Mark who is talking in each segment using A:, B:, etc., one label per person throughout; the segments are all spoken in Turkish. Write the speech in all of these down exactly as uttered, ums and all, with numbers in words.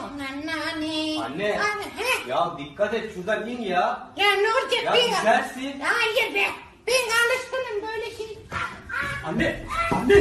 A: Anne.
B: Anne.
A: Anne.
B: Ya dikkat et şuradan in ya.
A: Ya ne olacak
B: Ya
A: be?
B: düşersin.
A: Hayır be. Ben alışkınım böyle şey.
B: Anne. Anne.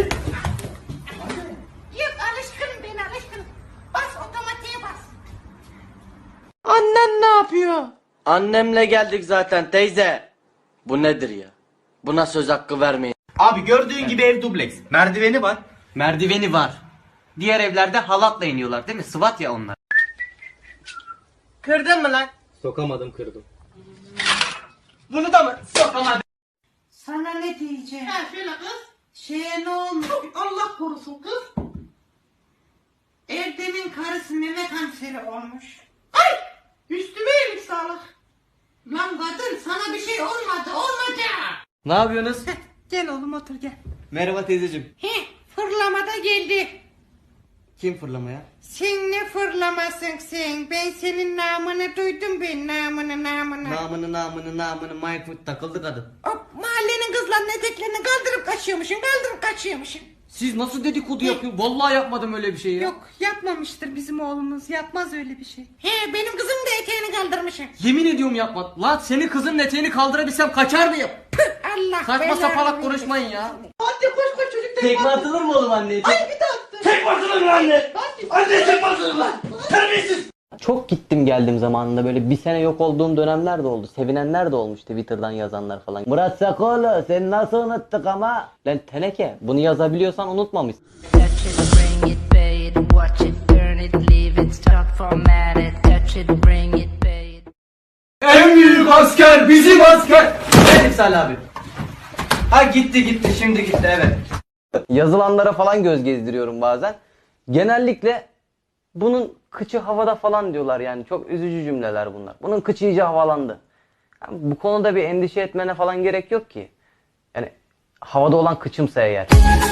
A: Yok alışkınım ben alışkınım. Bas otomatiğe bas.
C: Annen ne yapıyor?
D: Annemle geldik zaten teyze. Bu nedir ya? Buna söz hakkı vermeyin.
B: Abi gördüğün gibi ev dubleks. Merdiveni var.
D: Merdiveni var. Diğer evlerde halatla iniyorlar değil mi? Sıvat ya onlar. Kırdın mı lan?
B: Sokamadım kırdım.
D: Bunu da mı? Sokamadım.
C: Sana ne diyeceğim?
A: Ha şöyle kız.
C: Şeye ne olmuş? Allah korusun kız. Erdem'in karısı meme kanseri olmuş.
A: Ay! Üstüme iyilik sağlık.
C: Lan kadın sana bir şey olmadı olmayacak.
D: Ne yapıyorsunuz?
C: Gel oğlum otur gel.
D: Merhaba teyzeciğim.
C: He fırlamada geldi.
D: Kim fırlamaya?
C: Sen ne fırlamasın sen? Ben senin namını duydum ben namını namını.
D: Namını namını namını Mayfoot takıldı kadın.
C: Hop mahallenin kızlarının eteklerini kaldırıp kaçıyormuşsun kaldırıp kaçıyormuşsun.
D: Siz nasıl dedikodu yapıyorsunuz? Vallahi yapmadım öyle bir şey ya.
C: Yok yapmamıştır bizim oğlumuz yapmaz öyle bir şey. He benim kızım da eteğini kaldırmışım.
D: Yemin ediyorum yapmadım. Lan senin kızın eteğini kaldırabilsem kaçar mıyım?
C: Allah
D: Saçma
C: belanı
D: sapalak
C: versin.
D: konuşmayın ya.
C: Hadi koş koş çocuk
D: Tekme atılır mı oğlum anneye?
C: Ay bir daha attın.
E: Tek basılır lan anne! Anne tek basılır lan! Terbiyesiz!
F: Çok gittim geldim zamanında, böyle bir sene yok olduğum dönemler de oldu. Sevinenler de olmuş Twitter'dan yazanlar falan. Murat Sakoğlu sen nasıl unuttuk ama. Lan teneke, bunu yazabiliyorsan unutmamışsın.
G: Touch it, bring it, pay it, watch it, turn it, leave it, stop format it, touch it, bring it, pay it.
D: En büyük asker bizim asker. Evet Salih abi. Ha gitti gitti şimdi gitti evet.
F: Yazılanlara falan göz gezdiriyorum bazen. Genellikle bunun kıçı havada falan diyorlar yani. Çok üzücü cümleler bunlar. Bunun kıçı iyice havalandı. Yani bu konuda bir endişe etmene falan gerek yok ki. Yani havada olan kıçımsa eğer.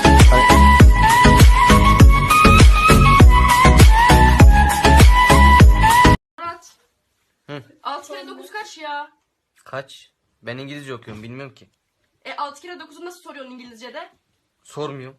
H: Murat. altı kere dokuz kaç ya?
D: Kaç? Ben İngilizce okuyorum bilmiyorum ki.
H: E altı kere dokuzu nasıl soruyorsun İngilizce'de?
D: Sormuyorum.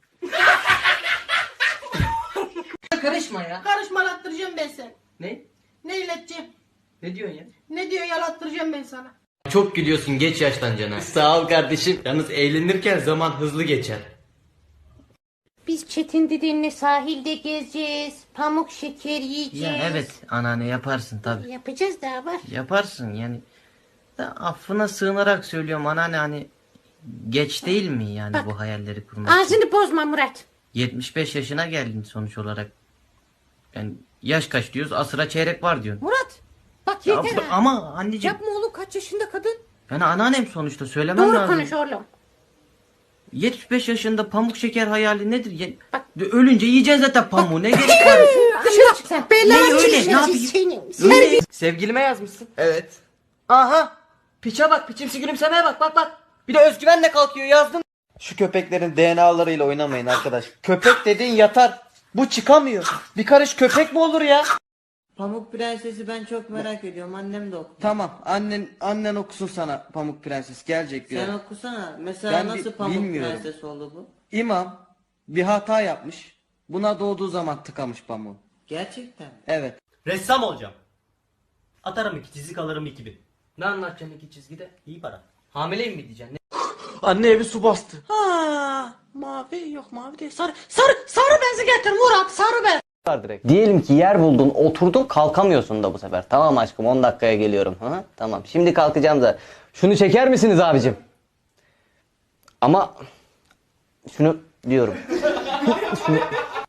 C: Karışma ya.
A: Karışmalattıracağım ben seni.
D: Ne?
A: Ne ileteceğim?
D: Ne diyorsun ya?
A: Ne diyor yalattıracağım ben sana.
D: Çok gülüyorsun geç yaştan cana. Sağ ol kardeşim. Yalnız eğlenirken zaman hızlı geçer.
C: Biz Çetin dedenle sahilde gezeceğiz. Pamuk şeker yiyeceğiz.
D: Ya evet anneanne yaparsın tabi.
C: Yapacağız daha var.
D: Yaparsın yani. Da affına sığınarak söylüyorum anneanne hani geç değil mi yani
C: Bak,
D: bu hayalleri kurmak için?
C: Ağzını bozma Murat.
D: yetmiş beş yaşına geldin sonuç olarak. Yani yaş kaç diyoruz? Asıra çeyrek var diyorsun.
C: Murat. Bak
D: Ya
C: yeter
D: bu-
C: ha.
D: ama anneciğim
C: Yapma oğlum kaç yaşında kadın.
D: yani anneannem sonuçta söylemem
C: Doğru
D: lazım.
C: konuş oğlum.
D: yetmiş beş yaşında pamuk şeker hayali nedir? Ya,
C: Bak.
D: ölünce yiyeceksin zaten pamuğu ne gerek var?
C: Dışarı çık sen.
D: Ne
C: Belanı
D: öyle,
C: çekeceğiz
D: ne yapayım?
C: senin.
D: Öyle. Sevgilime yazmışsın. Evet. Aha. Piçe bak, piçimsi gülümsemeye bak, bak bak. Bir de özgüvenle kalkıyor yazdım. Şu köpeklerin D N A'larıyla oynamayın arkadaş. Köpek dediğin yatar. Bu çıkamıyor. Bir karış köpek mi olur ya?
I: Pamuk Prenses'i ben çok merak ediyorum. Annem de oku.
D: Tamam, annen annen okusun sana Pamuk Prenses gelecek diyor.
I: Sen okusana. Mesela
D: Ben
I: nasıl
D: bi-
I: Pamuk
D: bilmiyorum.
I: Prenses oldu bu?
D: İmam bir hata yapmış. Buna doğduğu zaman tıkamış pamuğu.
I: Gerçekten.
D: Evet.
E: Ressam olacağım. Atarım iki çizik alırım iki bin.
D: Ne anlatacaksın iki çizgide?
E: İyi para.
D: Hamileyim mi diyeceksin? Ne?
E: Anne evi su bastı.
C: Ha, mavi yok mavi değil. Sarı sarı sarı bezi getir Murat sarı bez.
F: Direkt. Diyelim ki yer buldun, oturdun, kalkamıyorsun da bu sefer. Tamam aşkım, on dakikaya geliyorum. Hı hı, tamam. Şimdi kalkacağım da. Şunu çeker misiniz abicim? Ama şunu diyorum. Şunu...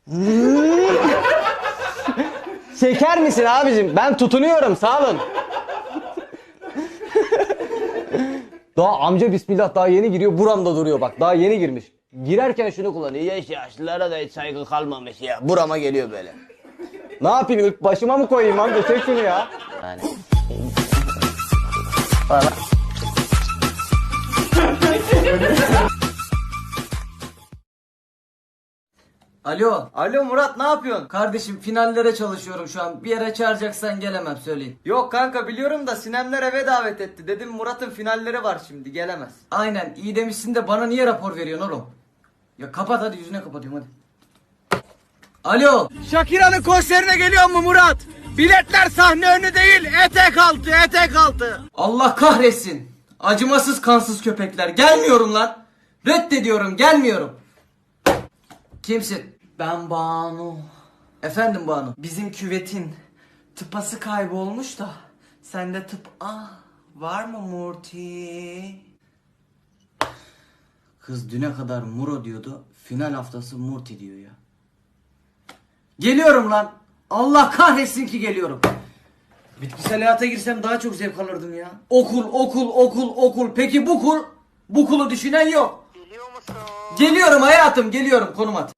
F: Çeker misin abicim? Ben tutunuyorum. Sağ olun. Daha amca bismillah daha yeni giriyor. Buramda duruyor bak. Daha yeni girmiş. Girerken şunu kullanıyor. Yaş yaşlılara da hiç saygı kalmamış ya. Burama geliyor böyle. Ne yapayım? İlk başıma mı koyayım amca? Çek şunu ya. Yani. Falan.
D: Alo. Alo Murat ne yapıyorsun? Kardeşim finallere çalışıyorum şu an. Bir yere çağıracaksan gelemem söyleyin. Yok kanka biliyorum da Sinemler eve davet etti. Dedim Murat'ın finalleri var şimdi gelemez. Aynen iyi demişsin de bana niye rapor veriyorsun oğlum? Ya kapat hadi yüzüne kapatıyorum hadi. Alo. Shakira'nın konserine geliyor mu Murat? Biletler sahne önü değil, etek altı, etek altı. Allah kahretsin. Acımasız kansız köpekler. Gelmiyorum lan. Reddediyorum, gelmiyorum. Kimsin? Ben Banu. Efendim Banu. Bizim küvetin tıpası kaybolmuş da. Sende tıp ah var mı Murti? Kız düne kadar Muro diyordu. Final haftası Murti diyor ya. Geliyorum lan. Allah kahretsin ki geliyorum. Bitkisel hayata girsem daha çok zevk alırdım ya. Okul, okul, okul, okul. Peki bu kul? Bu kulu düşünen yok. Geliyor musun? Geliyorum hayatım, geliyorum. Konum at.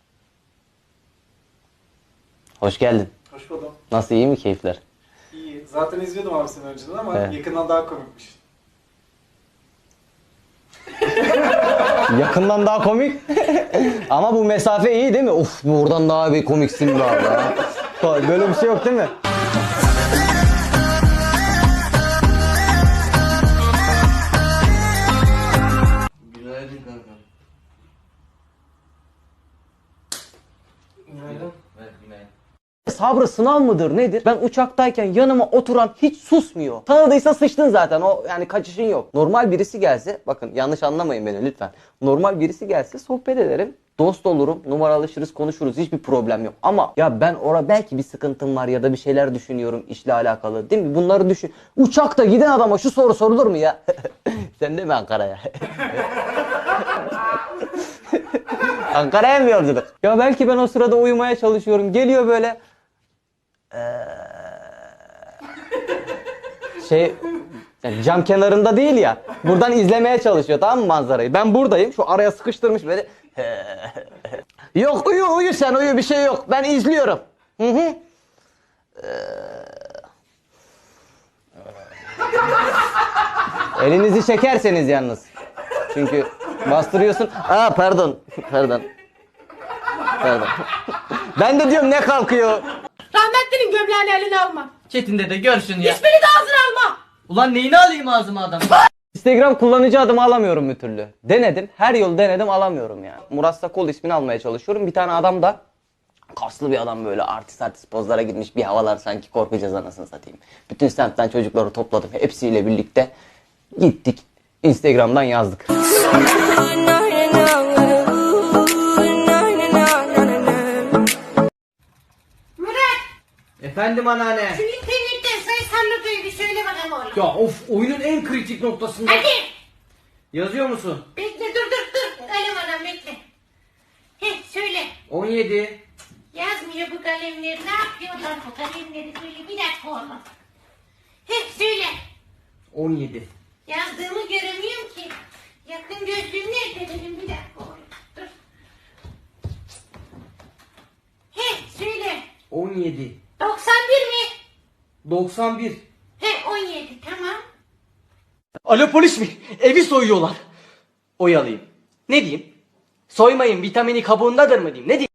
F: Hoş geldin.
J: Hoş buldum.
F: Nasıl, iyi mi keyifler?
J: İyi. Zaten izliyordum abi seni önceden ama
F: Evet.
J: yakından daha komikmiş.
F: Yakından daha komik. Ama bu mesafe iyi değil mi? Uf, buradan daha bir komiksin be abi. ha. Böyle bir şey yok değil mi?
D: Günaydın kanka. Günaydın. Evet, günaydın.
F: Sabrı sınav mıdır nedir? Ben uçaktayken yanıma oturan hiç susmuyor. Tanıdıysa sıçtın zaten, o yani kaçışın yok. Normal birisi gelse, bakın yanlış anlamayın beni lütfen. Normal birisi gelse sohbet ederim. Dost olurum, numaralaşırız, konuşuruz, hiçbir problem yok. Ama ya ben orada belki bir sıkıntım var ya da bir şeyler düşünüyorum işle alakalı, değil mi? Bunları düşün. Uçakta giden adama şu soru sorulur mu ya? Sen de mi Ankara'ya? Ankara'ya mı yolculuk? Ya belki ben o sırada uyumaya çalışıyorum. Geliyor böyle. Ee, şey yani cam kenarında değil ya. Buradan izlemeye çalışıyor, tamam mı, manzarayı? Ben buradayım. Şu araya sıkıştırmış böyle. Yok, uyu uyu sen uyu, bir şey yok. Ben izliyorum. Hı hı. Elinizi çekerseniz yalnız. Çünkü bastırıyorsun. Aa pardon. Pardon. Pardon. Ben de diyorum ne kalkıyor?
H: Rahmetlinin gömleğini eline alma.
D: Çetin'de de görsün ya.
H: Hiçbirini de ağzına alma.
D: Ulan neyini alayım ağzıma adam?
F: Instagram kullanıcı adımı alamıyorum bir türlü. Denedim. Her yolu denedim, alamıyorum ya. Murat Sakol ismini almaya çalışıyorum. Bir tane adam da kaslı bir adam, böyle artist artist pozlara gitmiş, bir havalar sanki korkacağız anasını satayım. Bütün semtten çocukları topladım. Hepsiyle birlikte gittik. Instagram'dan yazdık.
A: Murat,
D: Efendim anneanne.
A: şu internetten sayısallı duygu söyle bakalım oğlum.
D: Ya of, oyunun en kritik noktasında.
A: Hadi.
D: Yazıyor musun?
A: Bekle dur dur dur. Kalem anam bekle. Heh söyle.
D: on yedi.
A: Yazmıyor bu kalemleri. Ne yapıyorlar bu kalemleri? Söyle bir dakika oğlum. Heh söyle.
D: on yedi.
A: Yazdığımı göremiyorum ki. Yakın gözlüğüm nerede benim? Bir dakika oğlum. Dur. Heh söyle.
D: on yedi.
A: doksan bir mi?
D: doksan bir.
A: He on yedi tamam.
D: Alo polis mi? Evi soyuyorlar. Oyalayayım. Ne diyeyim? Soymayın, vitamini kabuğundadır mı diyeyim? Ne diyeyim?